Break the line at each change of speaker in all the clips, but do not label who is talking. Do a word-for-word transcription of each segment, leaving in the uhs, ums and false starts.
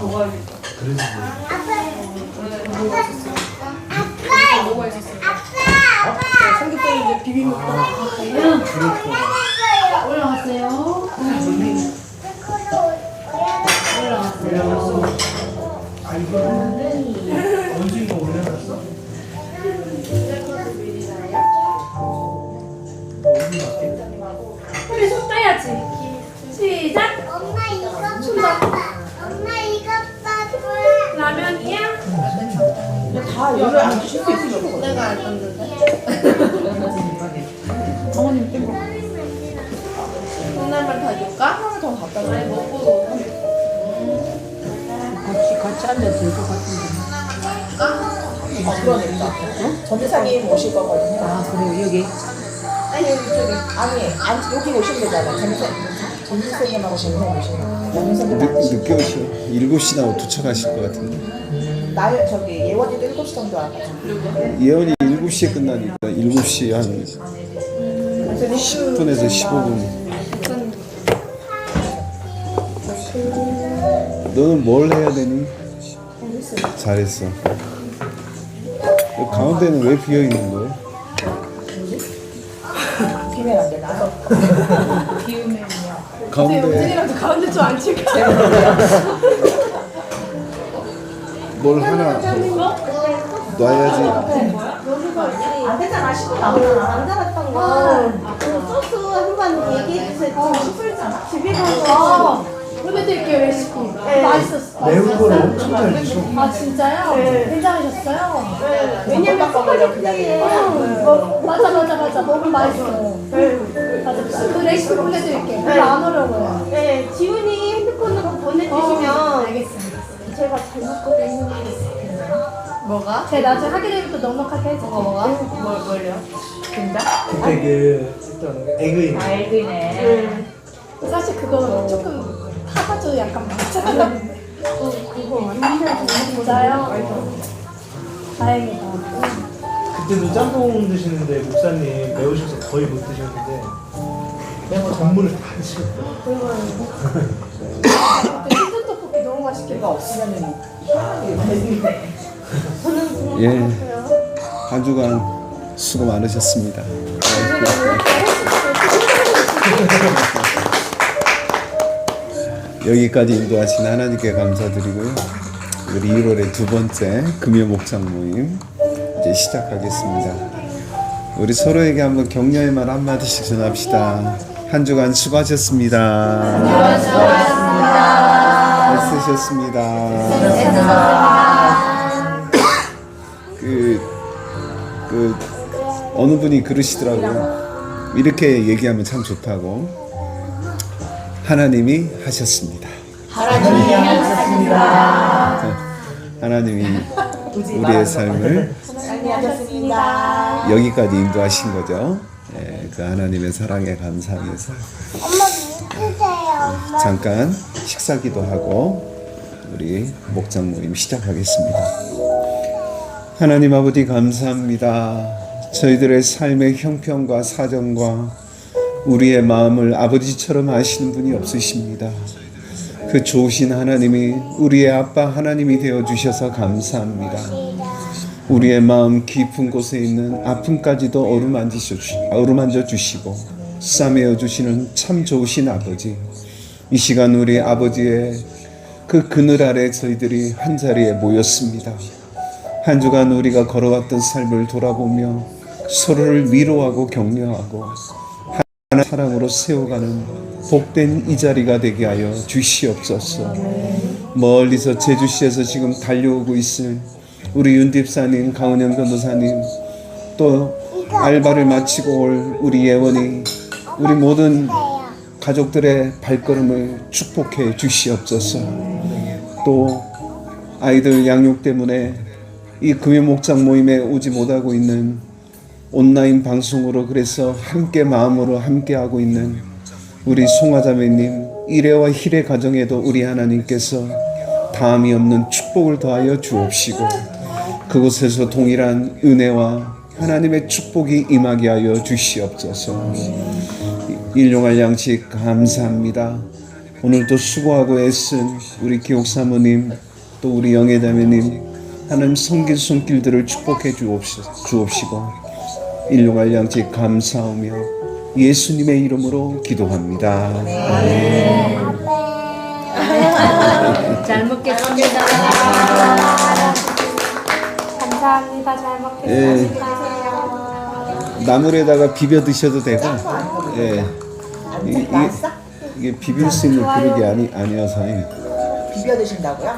먹어야겠다.
그러지.
아빠! 뭐가 있었어요? 아빠! 삼겹살 이제 비빔 먹다가
올라갔어요. 올라갔어요.
아 이거 언제 이거 올려놨어?
우리 손 떼야지. 시작.
엄마 이거 봐봐. 엄마 이거 봐봐.
라면이야?
다 여기 앉을 수 있어.
내가 안 떴는데.
어머님 땡거
콩나물 더 줄까?
하나만 더 갖다 줘.
아니 먹고
같이 같이 앉아서 될것 같은데. 아 그러니까. 응? 전재사님 오실 거거든요. 아 그래요 여기. 아니 여기 저기 아니 안 여기 오시면 되잖아. 전재 전재사님하고 전재사님 오시면. 양선님
늦, 늦게 오셔. 일곱 시 나고 도착하실 것 같은데.
날 저기 예원이도 일곱 시 정도 와가지고.
예언이 일곱 시에 끝나니까 일곱 시 한 십 분에서 십오 분. 너는 뭘 해야 되니? 잘했어. 가운데는 왜 비어 있는 거야?
비면 안 되나?
비우면요.
가운데
은진이랑도 가운데 좀 앉힐까?
뭘 하나 놔야지.
안 되잖아. 시도 나오잖아.
안 달았던 거. 그 소스 한번 얘기해주세요. 지금 집에 가서
보내드릴게요 레시피. 맛있었어.
매운 거를 엄청 잘 드셔.
아 진짜요? 괜찮으셨어요?
왜냐면 먹으려 기다리는 거야.
맞아 맞아 맞아 너무 맛있어. 맞아 그 레시피 보내드릴게요. 별로 안 어려워요.
네, 지훈이 핸드폰으로
어,
보내주시면
알겠습니다.
제가 잘못거든요. 뭐가?
제가 나중에 하게 되면 또 넉넉하게 해줄게요.
뭐가? 뭘, 뭘요? 된다?
그때 그 어떤 에그인.
알기네.
사실 그거 조금 타가지고 약간 많잖아요.
어, 그거 완전
진짜요? 다행이다.
그때도 짬뽕 드시는데 목사님 매우셔서 거의 못 드셨는데 매운 전문을 다 드셨어요.
그때 치즈 떡볶이 너무 맛있게
내가 없으면은 희한하게
예, 한 주간 수고 많으셨습니다. 여기까지 인도하신 하나님께 감사드리고요. 우리 일월의 두 번째 금요 목장 모임 이제 시작하겠습니다. 우리 서로에게 한번 격려의 말 한마디씩 전합시다. 한 주간 수고하셨습니다. 수고하셨습니다. 그, 그 어느 분이 그러시더라고요. 이렇게 얘기하면 참 좋다고. 하나님이 하셨습니다.
하나님이 하셨습니다.
하나님이 우리의 삶을
하나님이 하셨습니다.
여기까지 인도하신 거죠. 예, 그 하나님의 사랑에 감사하면서
엄마 누구세요? 엄마.
잠깐 식사기도 하고 우리 목장 모임 시작하겠습니다. 하나님 아버지 감사합니다. 저희들의 삶의 형편과 사정과 우리의 마음을 아버지처럼 아시는 분이 없으십니다. 그 좋으신 하나님이 우리의 아빠 하나님이 되어주셔서 감사합니다. 우리의 마음 깊은 곳에 있는 아픔까지도 어루만져 주시고 싸매어 주시는 참 좋으신 아버지. 이 시간 우리 아버지의 그 그늘 아래 저희들이 한자리에 모였습니다. 한 주간 우리가 걸어왔던 삶을 돌아보며 서로를 위로하고 격려하고 하나님의 사랑으로 세워가는 복된 이 자리가 되게 하여 주시옵소서. 멀리서 제주시에서 지금 달려오고 있을 우리 윤집사님, 강은영 변호사님, 또 알바를 마치고 올 우리 예원이, 우리 모든 가족들의 발걸음을 축복해 주시옵소서. 또 아이들 양육 때문에 이 금요 목장 모임에 오지 못하고 있는 온라인 방송으로 그래서 함께 마음으로 함께하고 있는 우리 송화자매님, 일회와 힐의 가정에도 우리 하나님께서 다함이 없는 축복을 더하여 주옵시고 그곳에서 동일한 은혜와 하나님의 축복이 임하게 하여 주시옵소서. 일용할 양식 감사합니다. 오늘도 수고하고 애쓴 우리 기옥 사모님 또 우리 영애자매님 하나님 섬길 손길들을 축복해 주옵시- 주옵시고 일용할 양식 감사하며 예수님의 이름으로 기도합니다. 아멘.
잘 먹겠습니다. 감사합니다. 잘 먹겠습니다.
나물에다가 비벼 드셔도 되고, 예, 이, 이,
맛있어?
이게 비빌 수 있는 그릇이 아니 아니어서
비벼 드신다고요?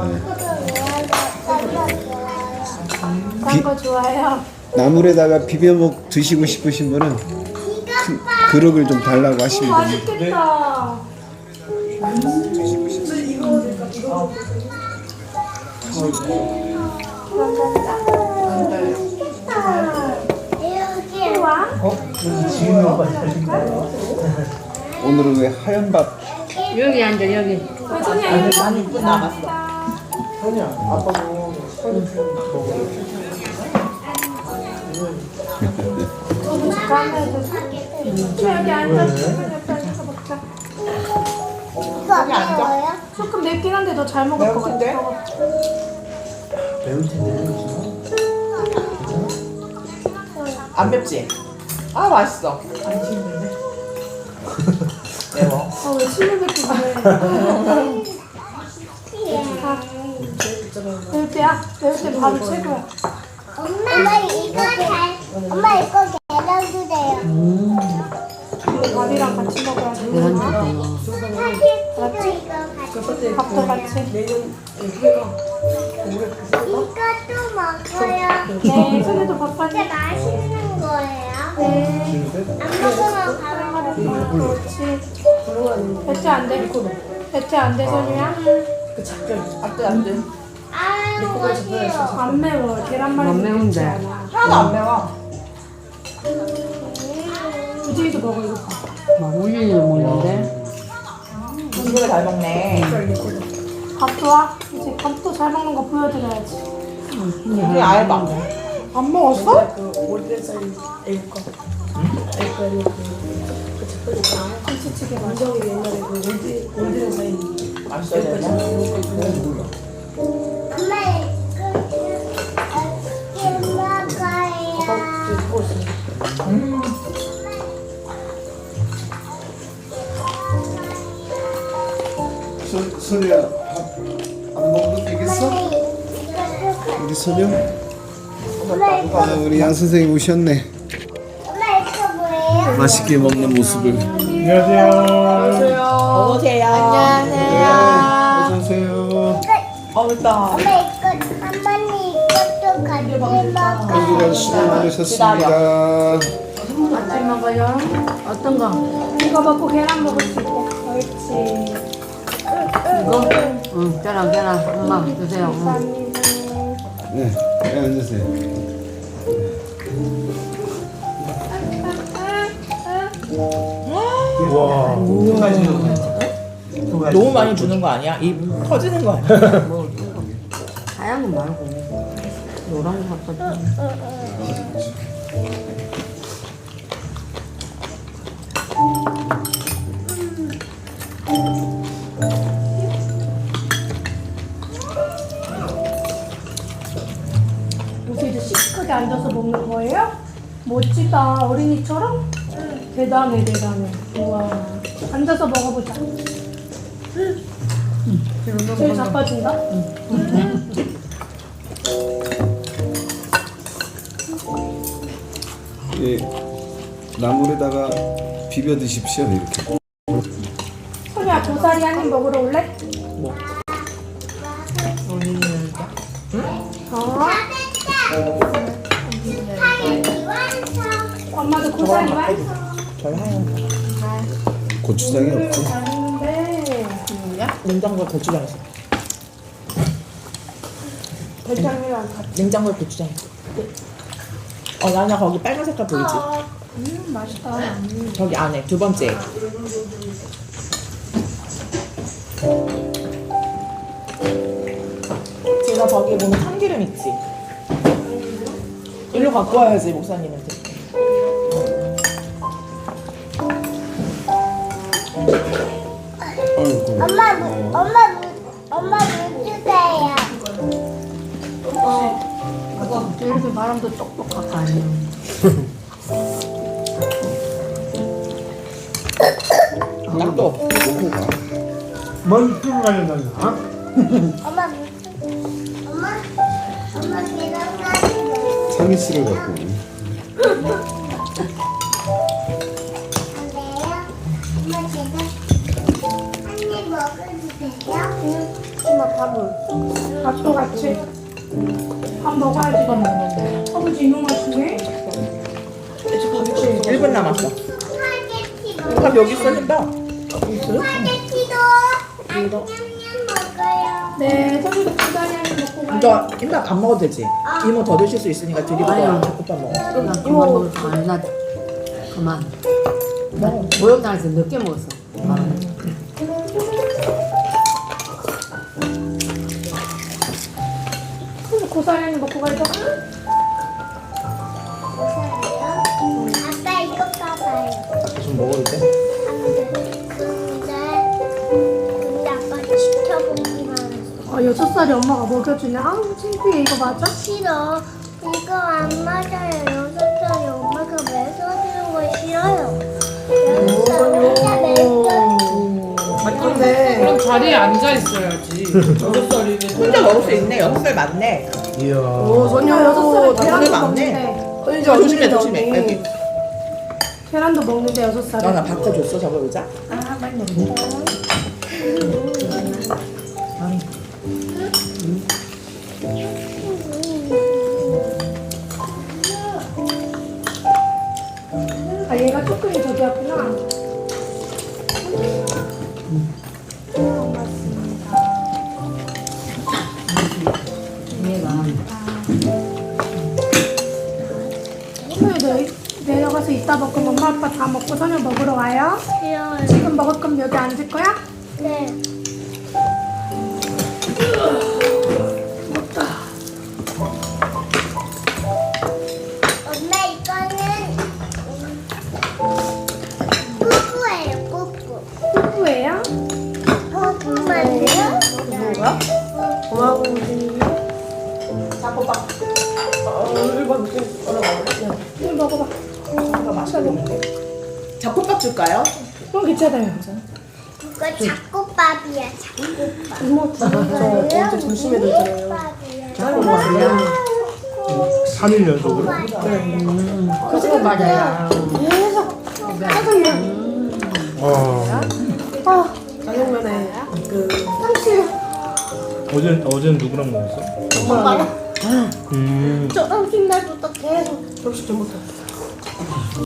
딴거 좋아요.
나물에다가 비벼 먹 드시고 싶으신 분은 큰 그릇을 좀 달라고 하시면 됩니다.
맛있겠다.
여기
와.
지금 오빠 하신 거예요?
오늘은 왜 하얀 밥?
여기 앉아 여기.
많이 이쁜 나갔어.
현이야, 아빠도 서른 먹어.
여기 앉아서 옆에 앉아서 먹자.
이거 안 매워요?
조금 맵긴 한데 너 잘 먹을 것 같아.
매운데?
매울 텐데.
안 맵지? 아 맛있어. 매워.
아왜 침을 뱉고 그래. 매울 때야? 매울 때 밥이 최고야.
엄마 이거 잘 엄마 이거 계란 주세요.
밥이랑 같이 먹어야 돼.
계란 주세요.
사실 이거 같이
밥도 같이.
이것도 먹어요.
네, 손에도 밥
진짜
같이.
맛있는 거예요.
네.
안 먹으면 바로 먹어.
그렇지. 배째 안 돼? 배째 안 돼, 선우야?
안돼 안돼.
아유 맛있어요.
안 매워. 계란말이
안 매운데.
하나도 안 매워.
우진이도 먹어, 이거.
막 울리는 먹는데.
이거를 잘 먹네.
밥 좋아? 이제 밥도 잘 먹는 거 보여드려야지.
우리 알바. 안 먹었어?
김치찌개 맛있어.
맛있어야 되나?
엄마 이거 먹어요.
소, 소리야 밥안 먹어도 되겠어? 우리 소녀?
엄마 이거
아, 우리 양 선생님 오셨네.
엄마 이거 뭐예요?
맛있게 먹는 모습을.
안녕하세요.
어서오세요.
어서 오세요.
어 일단.
엄마 이거 할머니 이것도 같이 먹어.
여기가 수고 많으셨습니다.
같이 먹어요. 어떤 거?
이거 먹고 계란 먹을 수 있게. 옳지.
이거? 응, 계란 계란. 엄마 주세요. 응.
감사합니다.
네, 네, 앉으세요.
와, 두 가지 두 가지.
너무 많이 주는 거 아니야? 입 터지는 거 아니야?
하얀 거 말고 노란 거 갖다 줘.
요새 이제 시크하게 앉아서 먹는 거예요? 멋지다. 어린이처럼? 대단해, 대단해. 우와. 앉아서 먹어보자. 제일 자빠진다?
예, 나물에다가 비벼 드십시오 이렇게.
소녀야, 고사리 한 입 먹으러 올래?
뭐?
어?
하얀 완성.
엄마도 고사리 맛있어.
저희 하얀
고추장이 없고.
잘 먹는데.
야 냉장고에 고추장 있어.
대장이랑 같이.
냉장고에 고추장 있어. 어 나나 거기 빨간 색깔 보이지?
음, 맛있다.
저기 안에 두 번째. 제가 저기 보면 참기름 있지? 일로 갖고 와야지 목사님한테.
아이고.
엄마 물, 엄마 물, 엄마 물 주세요.
이렇게 바람도 똑똑하고 아니에요.
또
놓고 가.
뭔 술을 가려다니? 아?
엄마 물 주, 엄마, 엄마 계란 가지고.
상의씨를 갖고. 오네.
안 돼요? 엄마 계란 한입 먹어도 돼요?
엄마 밥을.
밥도 같이. 밥 먹어야지. 밥 먹는데. 아버지 이거 맛있네.
일 분 남았어.
스파게티도.
밥 여기 있어 힘봐.
스파게티도 안 냠냠 먹어요.
네, 저기도 부자리하니 먹고 가요.
저 힘봐 밥 먹어도 되지. 이모 더 드실 수 있으니까 드리고
아유.
가. 밥 먹어.
나 그만 먹을 거 아니야. 그만. 나 목욕탕에서 늦게 먹었어.
그래서 고사리하니 먹고 가죠.
아빠 이거 봐봐요.
좀 먹어도 돼?
근데 근데 아빠 지켜보기만 했어.
아, 여섯 살이 엄마가 먹여주냐? 아우, 창피해. 이거 맞아?
싫어. 이거 안 맞아요. 여섯 살이 엄마가 매서주는 거 싫어요. 여섯 살이 혼자 매서.
맞네.
그럼 자리에 앉아 있어야지. 여섯 살이면
혼자 먹을 수 있네. 여섯 살 맞네.
이야.
오, 전혀 여섯 살에
나
계란도
그게 맞네.
먹는데.
저 조심해 조심해. 여기.
계란도 먹는데 여섯 살에.
너나 바꿔줬어 저거 의자?
아, 많이 아, 얘가 조금 저기였구나.
얘가
오늘 내, 내려가서 이따 먹고 엄마 아빠 다 먹고 저녁 먹으러 와요.
싫어요.
지금 먹을 거면 여기 앉을 거야?
네. 엄마 이거는 뿌뿌예요. 뿌뿌.
후예요?
뿌뿌만요?
뭐가? 고마워.
자꾸 밥. 어, 일번 늦게 올라가고.
이거 먹어봐.
이거 맛있겠는데. 잡곡밥 줄까요?
어, 괜찮아요.
이거 잡곡밥이야. 잡곡밥.
이모
저 언제 점심에 들잖아요.
잡곡밥이야.
삼 일 연속으로?
그거 맞아요.
아.
아, 짜장면에 그
어제 어제는 누구랑 먹었어?
엄마랑
음.
저 삼십 날부터 계속 접시 좀 못했어.